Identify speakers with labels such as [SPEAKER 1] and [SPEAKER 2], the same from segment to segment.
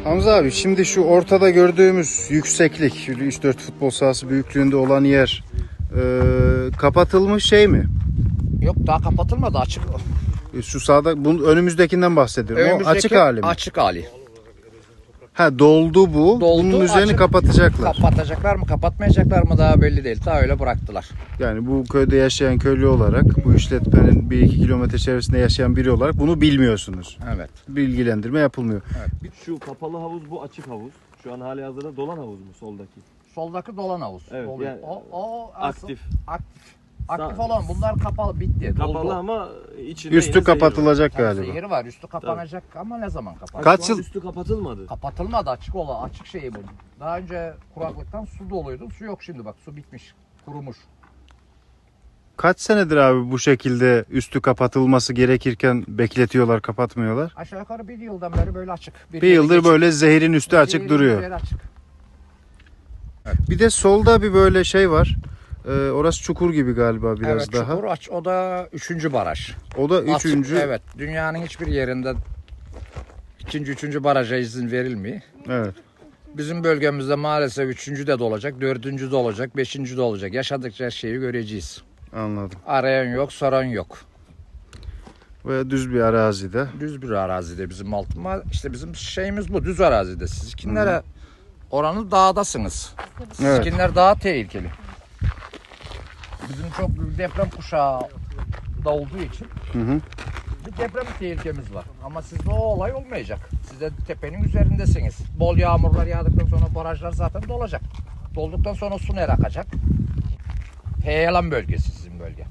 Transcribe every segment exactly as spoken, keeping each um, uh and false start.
[SPEAKER 1] Hamza abi, şimdi şu ortada gördüğümüz yükseklik, üç dört futbol sahası büyüklüğünde olan yer e, kapatılmış şey mi?
[SPEAKER 2] Yok, daha kapatılmadı, açık.
[SPEAKER 1] Şu sağda, bunun önümüzdekinden bahsediyorum.
[SPEAKER 2] Önümüzdeki
[SPEAKER 1] O açık hali mi?
[SPEAKER 2] Açık hali.
[SPEAKER 1] Ha, doldu bu.
[SPEAKER 2] Doldu,
[SPEAKER 1] Bunun üzerini
[SPEAKER 2] açık.
[SPEAKER 1] kapatacaklar.
[SPEAKER 2] Kapatacaklar mı, kapatmayacaklar mı daha belli değil. Daha öyle bıraktılar.
[SPEAKER 1] Yani bu köyde yaşayan köylü olarak, bu işletmenin bir iki kilometre çevresinde yaşayan biri olarak bunu bilmiyorsunuz.
[SPEAKER 2] Evet.
[SPEAKER 1] Bilgilendirme yapılmıyor.
[SPEAKER 2] Evet.
[SPEAKER 3] Şu kapalı havuz, bu açık havuz. Şu an hali hazırda dolan havuz mu soldaki?
[SPEAKER 2] Soldaki dolan havuz.
[SPEAKER 3] Evet,
[SPEAKER 2] Doluyor.
[SPEAKER 3] yani
[SPEAKER 2] o, o
[SPEAKER 3] aktif.
[SPEAKER 2] Aktif. Aktif
[SPEAKER 3] Sağ-
[SPEAKER 2] olan bunlar kapalı, bitti.
[SPEAKER 3] Kapalı
[SPEAKER 2] doldu.
[SPEAKER 3] ama içinde
[SPEAKER 1] Üstü
[SPEAKER 3] yine zehir var.
[SPEAKER 1] kapatılacak
[SPEAKER 2] Tabii
[SPEAKER 1] galiba.
[SPEAKER 2] zehir var. Üstü kapanacak ama ne zaman kapanacak?
[SPEAKER 1] Kaç
[SPEAKER 3] Şu an
[SPEAKER 1] yıl-
[SPEAKER 3] üstü kapatılmadı.
[SPEAKER 2] Kapatılmadı, açık ola, açık şeyi bu. Daha önce kuraklıktan su doluydu. Su yok şimdi, bak su bitmiş, kurumuş.
[SPEAKER 1] Kaç senedir abi bu şekilde üstü kapatılması gerekirken bekletiyorlar, kapatmıyorlar?
[SPEAKER 2] Aşağı yukarı bir yıldan beri böyle açık.
[SPEAKER 1] Bir
[SPEAKER 2] yeri
[SPEAKER 1] yıldır
[SPEAKER 2] geçti.
[SPEAKER 1] böyle zehirin üstü
[SPEAKER 2] Bir
[SPEAKER 1] açık
[SPEAKER 2] yıldan
[SPEAKER 1] duruyor.
[SPEAKER 2] beri açık.
[SPEAKER 1] Bir de solda bir böyle şey var. Ee, orası çukur gibi galiba biraz
[SPEAKER 2] Evet,
[SPEAKER 1] daha.
[SPEAKER 2] çukur aç. O da üçüncü baraj.
[SPEAKER 1] O da
[SPEAKER 2] Açık,
[SPEAKER 1] üçüncü.
[SPEAKER 2] evet, dünyanın hiçbir yerinde ikinci, üçüncü baraja izin verilmiyor.
[SPEAKER 1] Evet.
[SPEAKER 2] Bizim bölgemizde maalesef üçüncü de olacak, dördüncü de olacak, beşinci de olacak. Yaşadıkça her şeyi göreceğiz.
[SPEAKER 1] Anladım.
[SPEAKER 2] Arayan yok, soran yok.
[SPEAKER 1] Ve düz bir arazide.
[SPEAKER 2] Düz bir arazide bizim altın. İşte bizim şeyimiz bu, düz arazide. Sizkinlere oranı dağdasınız.
[SPEAKER 1] Evet.
[SPEAKER 2] Sizkinler daha tehlikeli. Bizim çok büyük deprem kuşağı da olduğu için
[SPEAKER 1] Hı hı.
[SPEAKER 2] bir deprem tehlikemiz var. Ama sizde o olay olmayacak. Siz de tepenin üzerindesiniz. Bol yağmurlar yağdıktan sonra barajlar zaten dolacak. Dolduktan sonra su nereye akacak? Heyelan bölgesi sizin bölge.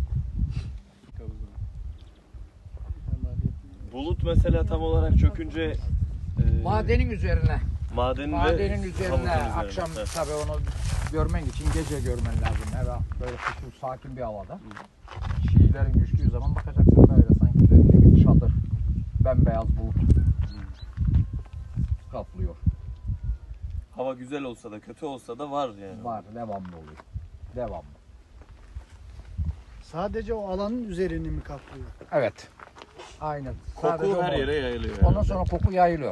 [SPEAKER 3] Bulut mesela tam olarak çökünce e,
[SPEAKER 2] Madenin üzerine.
[SPEAKER 3] madenin,
[SPEAKER 2] Madenin
[SPEAKER 3] ve
[SPEAKER 2] üzerine
[SPEAKER 3] havuzun üzerine.
[SPEAKER 2] akşam
[SPEAKER 3] Evet.
[SPEAKER 2] tabii onu görmen için gece görmen lazım. Evet, böyle kışın sakin bir havada. Çiğlerin düştüğü zaman bakacaksın böyle sanki bir çadır. Bembeyaz bulut. Kaplıyor.
[SPEAKER 3] Hava güzel olsa da kötü olsa da var yani.
[SPEAKER 2] Var, devamlı oluyor. Devamlı.
[SPEAKER 4] Sadece o alanın üzerini mi kaplıyor?
[SPEAKER 2] Evet. Aynen.
[SPEAKER 3] Koku
[SPEAKER 2] Sadece
[SPEAKER 3] her
[SPEAKER 2] o-
[SPEAKER 3] yere yayılıyor.
[SPEAKER 2] Ondan
[SPEAKER 3] herhalde.
[SPEAKER 2] sonra koku yayılıyor.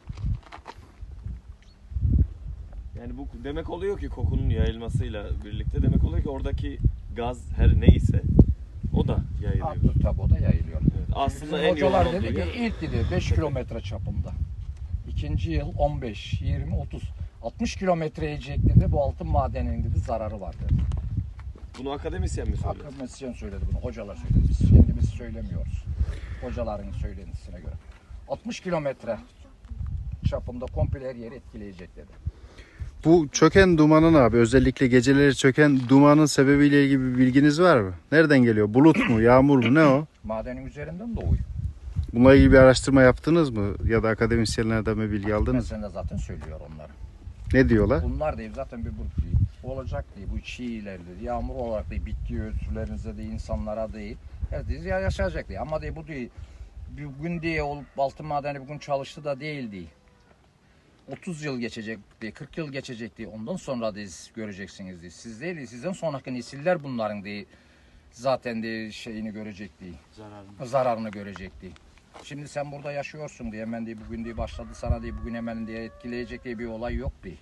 [SPEAKER 3] Yani bu demek oluyor ki kokunun yayılmasıyla birlikte demek oluyor ki oradaki gaz her neyse o da yayılıyor.
[SPEAKER 2] Artık tabi o da yayılıyor.
[SPEAKER 3] Evet, aslında
[SPEAKER 2] Bizim
[SPEAKER 3] en yoğun
[SPEAKER 2] hocalar
[SPEAKER 3] olduğu
[SPEAKER 2] dedi ki
[SPEAKER 3] yer.
[SPEAKER 2] ilk dedi beş kilometre çapında. İkinci yıl on beş, yirmi, otuz. altmış kilometre inecek dedi. Bu altın madeninin dedi zararı var dedi.
[SPEAKER 3] Bunu akademisyen mi söylüyor?
[SPEAKER 2] Akademisyen söyledi bunu. Hocalar söyledi. Biz kendimiz söylemiyoruz. Hocaların söylentisine göre. altmış kilometre çapında komple her yeri etkileyecek dedi.
[SPEAKER 1] Bu çöken dumanın abi, özellikle geceleri çöken dumanın sebebiyle ilgili bir bilginiz var mı? Nereden geliyor? Bulut mu? Yağmur mu? Ne o?
[SPEAKER 2] Madenin üzerinden doğuyor.
[SPEAKER 1] Bununla ilgili bir araştırma yaptınız mı? Ya da akademisyenlerden mi bilgi aldınız?
[SPEAKER 2] Mesela zaten söylüyor onları.
[SPEAKER 1] Ne diyorlar?
[SPEAKER 2] Bunlar değil zaten bir bulut değil. Olacak değil. Bu çiğler değil. Yağmur olarak değil. Bitki örtülerinize değil. insanlara değil. Herkes yaşayacak değil. Ama değil bu değil. Bugün diye olup altın madeni bugün çalıştı da değil değil. otuz yıl geçecek diye, kırk yıl geçecek diye. Ondan sonra diye göreceksiniz diye. Siz değil. Sizden sonraki nesiller bunların diye zaten diye şeyini görecek değil.
[SPEAKER 3] Zararlı.
[SPEAKER 2] Zararını görecek değil. Şimdi sen burada yaşıyorsun diye hemen diye bugün diye başladı sana diye bugün hemen diye etkileyecek diye bir olay yok diye.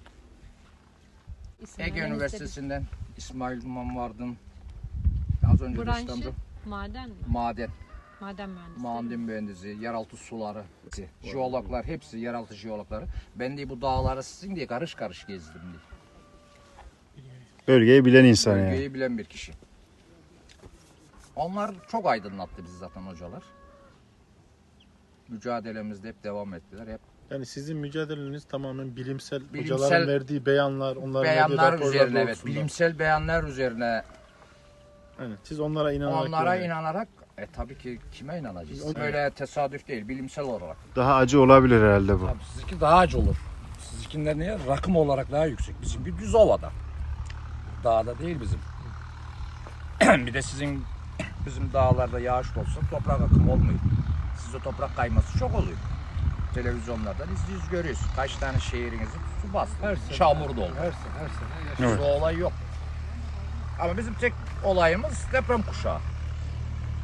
[SPEAKER 2] Ege Üniversitesi'nden İsmail Duman vardın. Az önce de
[SPEAKER 5] Branşı
[SPEAKER 2] İstanbul
[SPEAKER 5] maden mi?
[SPEAKER 2] maden,
[SPEAKER 5] Maden mühendisi.
[SPEAKER 2] maden mühendisi, yeraltı suları, jeologlar hepsi yeraltı jeologları. Ben de bu dağları sizin diye karış karış gezdim diye.
[SPEAKER 1] Bölgeyi bilen insan yani.
[SPEAKER 2] Bölgeyi bilen bir kişi. Onlar çok aydınlattı bizi zaten hocalar. Mücadelemizde hep devam ettiler. Hep
[SPEAKER 4] Yani sizin mücadeleniz tamamen bilimsel,
[SPEAKER 2] Bilimsel
[SPEAKER 4] hocaların verdiği beyanlar, onların verdiği
[SPEAKER 2] beyanlar
[SPEAKER 4] raporlar
[SPEAKER 2] üzerine, evet,
[SPEAKER 4] doğrultusunda.
[SPEAKER 2] bilimsel beyanlar üzerine
[SPEAKER 4] Evet, siz onlara inanarak
[SPEAKER 2] onlara
[SPEAKER 4] yani.
[SPEAKER 2] inanarak e tabii ki kime inanacağız?
[SPEAKER 4] O-
[SPEAKER 2] Öyle tesadüf değil, bilimsel olarak.
[SPEAKER 1] Daha acı olabilir herhalde bu.
[SPEAKER 2] Tabii sizinki daha acı olur. Sizinkiler niye? Rakım olarak daha yüksek. Bizimki düz ovada. Dağda değil bizim. Bir de sizin bizim dağlarda yağış olsa toprak akımı olmuyor. Sizde toprak kayması çok oluyor. Televizyonlardan izliyoruz, görüyoruz. Kaç tane şehrinizi su bastı. Çamur doldu.
[SPEAKER 4] Her sene, her sene.
[SPEAKER 2] Bizde
[SPEAKER 1] Evet.
[SPEAKER 2] o olay yok. Ama bizim tek olayımız deprem kuşağı.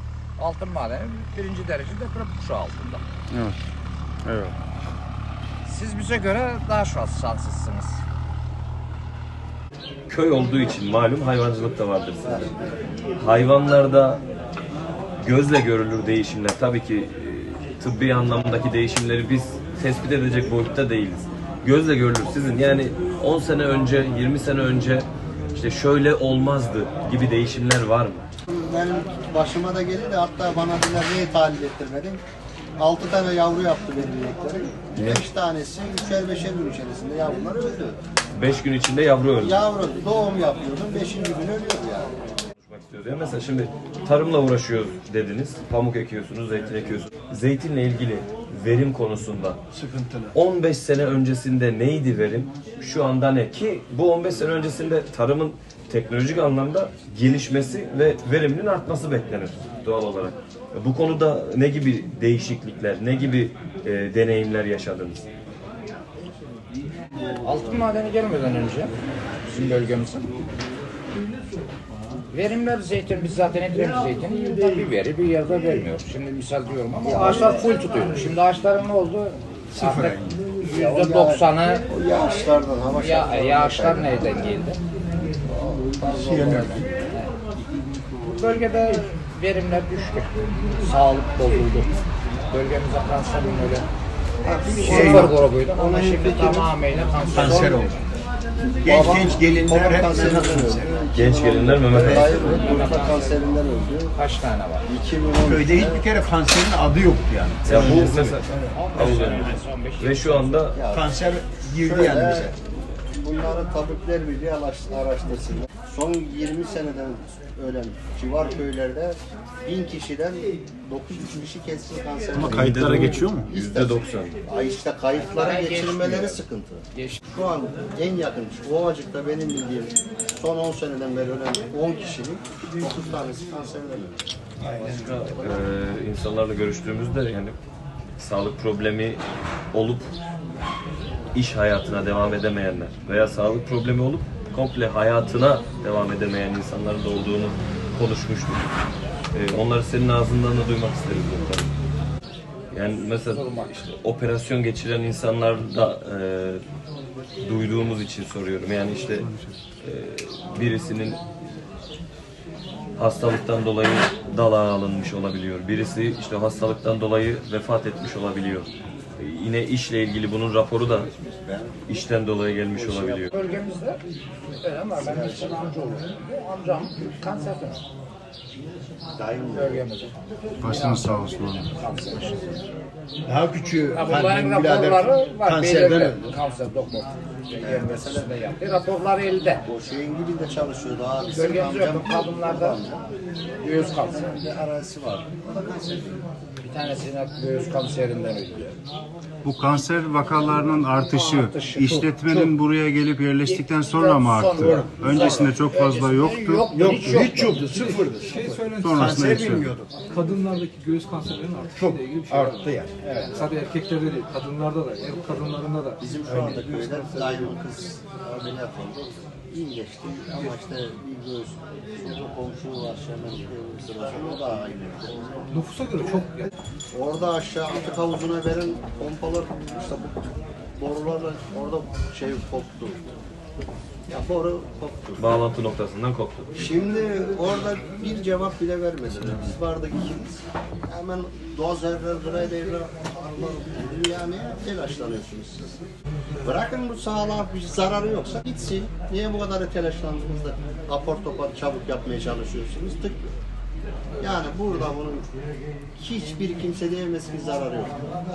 [SPEAKER 2] Altın madeni birinci derece deprem kuşağı altında.
[SPEAKER 1] Evet. Evet.
[SPEAKER 2] Siz bize göre daha şans- şanslısınız.
[SPEAKER 3] Köy olduğu için malum hayvancılık da vardır sizde. Hayvanlarda gözle görülür değişimler. Tabii ki e, tıbbi anlamdaki değişimleri biz tespit edecek boyutta değiliz. Gözle görülür sizin yani on sene önce, yirmi sene önce işte şöyle olmazdı gibi değişimler var mı?
[SPEAKER 6] Benim başıma da geldi de hatta bana dediler niye tahlil ettirmedin? altı tane yavru yaptı benim ineklerim. beş tanesi üçer beşer gün içerisinde yavrular öldü.
[SPEAKER 3] beş gün içinde yavru öldü.
[SPEAKER 6] Yavru doğum yapıyordum, beşinci gün ölüyordu yani.
[SPEAKER 3] Konuşmak istiyoruz. Ya mesela şimdi tarımla uğraşıyoruz dediniz. Pamuk ekiyorsunuz, zeytin ekiyorsunuz. Zeytinle ilgili verim konusunda sıkıntılı. on beş sene öncesinde neydi verim? Şu anda ne? Ki bu on beş sene öncesinde tarımın teknolojik anlamda gelişmesi ve veriminin artması beklenir doğal olarak. Bu konuda ne gibi değişiklikler, ne gibi e, deneyimler yaşadınız?
[SPEAKER 2] Altın madeni gelmeden önce bizim bölgemizin verimler zeytin, biz zaten ediyoruz zeytini, yılda bir veri bir yerde vermiyor. Şimdi misal diyorum ama ağaçlar full tutuyor. Şimdi ağaçların ne oldu? Artık yüzde doksanı
[SPEAKER 6] O yağışlardan, hava
[SPEAKER 2] ya,
[SPEAKER 6] şartlarından
[SPEAKER 2] yağışlar neyden geldi? Bu bölgede verimler düştü. Sağlık bozuldu. Bölgemize kanserin öyle sıfır grubuydu ama şimdi tamamıyla kanser,
[SPEAKER 7] Kanser oldu. Genç genç gelinler hep
[SPEAKER 6] kanserinden
[SPEAKER 7] kanser.
[SPEAKER 6] öldü.
[SPEAKER 3] Genç gelinler Mehmet Ali.
[SPEAKER 6] Hayır, yumurta kanserinden öldü.
[SPEAKER 2] kaç tane var?
[SPEAKER 6] iki bin on
[SPEAKER 7] Köyde hiçbir kere kanserin adı yoktu yani.
[SPEAKER 3] Ya bu mesela ve şu anda
[SPEAKER 7] Kanser girdi yani bize.
[SPEAKER 6] Bunları tabipler birliği araş- araştırsınlar. Son yirmi seneden ölen civar köylerde bin kişiden dokuz yüz kişi kesin kanser.
[SPEAKER 4] Ama kayıtlara geçiyor mu?
[SPEAKER 3] yüzde doksan.
[SPEAKER 6] Ay işte kayıtlara
[SPEAKER 2] Kayıtlara
[SPEAKER 6] geçirmeleri
[SPEAKER 2] geçmiyor.
[SPEAKER 6] sıkıntı.
[SPEAKER 2] Geç.
[SPEAKER 6] Şu an en yakın Ovacık'ta benim bildiğim son on seneden beri ölen on kişinin dokuz tanesi kanserden öldü.
[SPEAKER 3] Ee, insanlarla görüştüğümüzde yani sağlık problemi olup iş hayatına devam edemeyenler veya sağlık problemi olup komple hayatına devam edemeyen insanların da olduğunu konuşmuştuk. Ee, onları senin ağzından da duymak isteriz muhtemelen. Yani mesela işte operasyon geçiren insanlar da e, duyduğumuz için soruyorum. Yani işte e, birisinin hastalıktan dolayı dalağa alınmış olabiliyor. Birisi işte hastalıktan dolayı vefat etmiş olabiliyor. Ee, Yine işle ilgili bunun raporu da işten dolayı gelmiş olabiliyor.
[SPEAKER 2] Bölgemizde öyle var. Ben bir amca oluyorum. Amcam kanserden öldü.
[SPEAKER 6] Daim
[SPEAKER 2] Bölgemizde.
[SPEAKER 1] Başınız sağ olsun oğlum.
[SPEAKER 2] Kanser.
[SPEAKER 7] Daha küçüğü
[SPEAKER 2] Ya bunların
[SPEAKER 7] annem birader
[SPEAKER 2] raporları var.
[SPEAKER 7] kanserden
[SPEAKER 2] belirli.
[SPEAKER 7] öldü.
[SPEAKER 2] Kanser doktor. Yermesinde yaptı. Raporları elde.
[SPEAKER 6] o şeyin gibi de çalışıyordu abi.
[SPEAKER 2] Bölgemizde yok. Kadınlarda göğüs kanseri.
[SPEAKER 6] Bir arazisi var. O da kanser.
[SPEAKER 2] Bir tanesine göğüs kanserinden öldü.
[SPEAKER 1] Bu kanser vakalarının artışı,
[SPEAKER 2] Artışı çok,
[SPEAKER 1] işletmenin
[SPEAKER 2] çok.
[SPEAKER 1] buraya gelip yerleştikten sonra mı arttı?
[SPEAKER 2] Sonra.
[SPEAKER 1] Öncesinde çok fazla yoktu.
[SPEAKER 2] Yoktu,
[SPEAKER 7] Yok,
[SPEAKER 2] hiç yoktu.
[SPEAKER 7] hiç yoktu, sıfırdı.
[SPEAKER 8] Şey söylemek
[SPEAKER 1] Sonrasında
[SPEAKER 7] Kanser
[SPEAKER 1] yükseliyor.
[SPEAKER 7] bilmiyorduk.
[SPEAKER 8] kadınlardaki göğüs kanserlerinin
[SPEAKER 7] Çok
[SPEAKER 8] artışıyla ilgili bir şey
[SPEAKER 7] arttı
[SPEAKER 8] var.
[SPEAKER 7] yani.
[SPEAKER 8] Evet. Sadece erkeklerde değil, kadınlarda da, ev kadınlarında da.
[SPEAKER 6] Bizim şu anda köyde daima kız ameliyat oldu. İyi geçti ama işte bir göğüs, şurada komşu var hemen evin sırası, o da aynı.
[SPEAKER 8] Nüfusa göre çok yani.
[SPEAKER 6] Orada aşağı atık havuzuna veren pompalar, işte bu borularla orada şey koptu. Ya boru koptu.
[SPEAKER 3] Bağlantı noktasından koptu.
[SPEAKER 6] Şimdi orada bir cevap bile vermediler. Biz vardık ikimiz. Hemen dozerler, graderler, yani telaşlanıyorsunuz siz. Bırakın bu sağlığa bir zararı yoksa gitsin. Niye bu kadar telaşlandınız da apar topar çabuk yapmaya çalışıyorsunuz? Tık. Yani burada bunun hiçbir kimse diyemez ki zararı yok.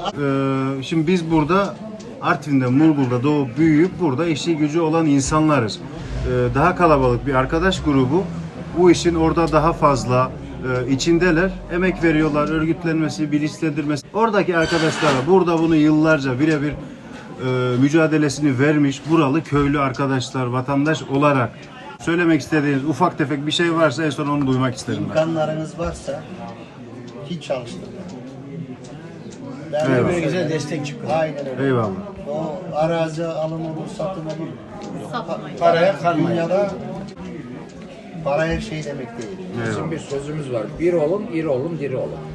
[SPEAKER 1] Ee, şimdi biz burada Artvin'de, Murgul'da doğup büyüyüp burada işi gücü olan insanlarız. Ee, daha kalabalık bir arkadaş grubu bu işin orada daha fazla e, içindeler. Emek veriyorlar, örgütlenmesi, bilinçlendirmesi. Oradaki arkadaşlara burada bunu yıllarca birebir e, mücadelesini vermiş buralı köylü arkadaşlar, vatandaş olarak söylemek istediğiniz ufak tefek bir şey varsa en son onu duymak isterim ben.
[SPEAKER 6] İmkanlarınız varsa hiç çalıştırmayın. Ben
[SPEAKER 1] Eyvallah.
[SPEAKER 6] öyle
[SPEAKER 7] Güzel destek çıkıyor.
[SPEAKER 6] Aynen öyle.
[SPEAKER 1] Eyvallah.
[SPEAKER 6] O arazi alımı, satımı
[SPEAKER 5] Satmayın.
[SPEAKER 6] paraya kalmayın. Dünyada para her şey demek değil.
[SPEAKER 2] Bizim bir sözümüz var. Bir olun, iri olun, diri olun.